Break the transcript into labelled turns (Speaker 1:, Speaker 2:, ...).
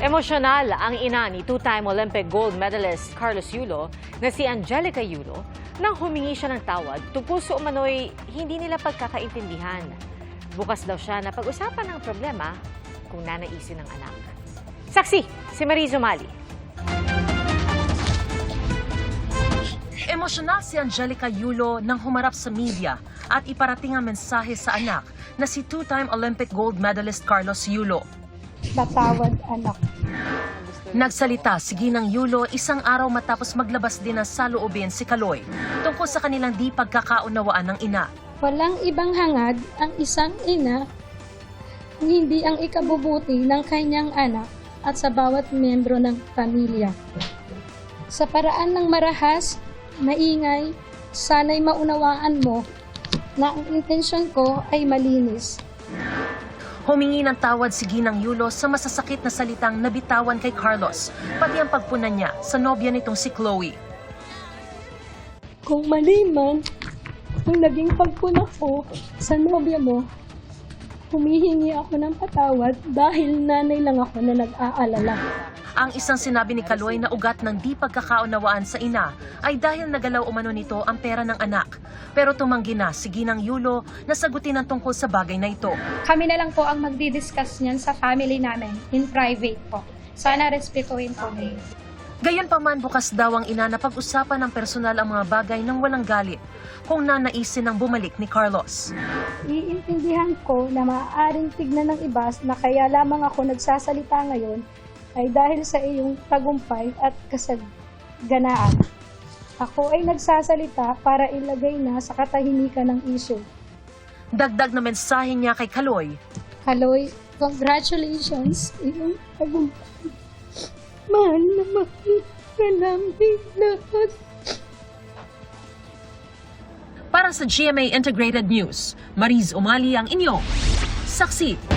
Speaker 1: Emosyonal ang ina ni two-time Olympic gold medalist Carlos Yulo na si Angelica Yulo nang humingi siya ng tawad tungkol sa umano'y hindi nila pagkakaintindihan. Bukas daw siya na pag-usapan ng problema kung nanaisin ng anak. Saksi, si Mariz Umali.
Speaker 2: Emosyonal si Angelica Yulo nang humarap sa media at iparating ang mensahe sa anak na si two-time Olympic gold medalist Carlos Yulo.
Speaker 3: Patawad, anak.
Speaker 2: Nagsalita si Ginang Yulo isang araw matapos maglabas din ng saloobin si Kaloy tungkol sa kanilang di pagkakaunawaan ng ina.
Speaker 3: Walang ibang hangad ang isang ina kung hindi ang ikabubuti ng kanyang anak at sa bawat miyembro ng pamilya. Sa paraan ng marahas, maingay, sana'y maunawaan mo na ang intensyon ko ay malinis.
Speaker 2: Humingi ng tawad si Ginang Yulo sa masasakit na salitang nabitawan kay Carlos, pati ang pagpuna niya sa nobya nitong si Chloe.
Speaker 3: Kung mali man ang naging pagpuna ko sa nobya mo, humihingi ako ng patawad dahil nanay lang ako na nag-aalala.
Speaker 2: Ang isang sinabi ni Kaloy na ugat ng di pagkakaunawaan sa ina ay dahil nagalaw umano nito ang pera ng anak. Pero tumanggi na si Ginang Yulo na sagutin ang tungkol sa bagay na ito.
Speaker 4: Kami na lang po ang magdi-discuss niyan sa family namin, in private po. Sana respetuhin po niyo.
Speaker 2: Gayunpaman bukas daw ang ina na pag-usapan ng personal ang mga bagay nang walang galit kung nanaisin ng bumalik ni Carlos.
Speaker 3: Iintindihan ko na maaaring tignan ng iba na kaya lamang ako nagsasalita ngayon ay dahil sa iyong tagumpay at kasaganaan. Ako ay nagsasalita para ilagay na sa katahimikan ng isyu.
Speaker 2: Dagdag na mensahe niya kay Kaloy.
Speaker 3: Kaloy, congratulations sa iyong tagumpay. Mahal na mahal ka namin lahat.
Speaker 2: Para sa GMA Integrated News, Mariz Umali ang inyong saksi.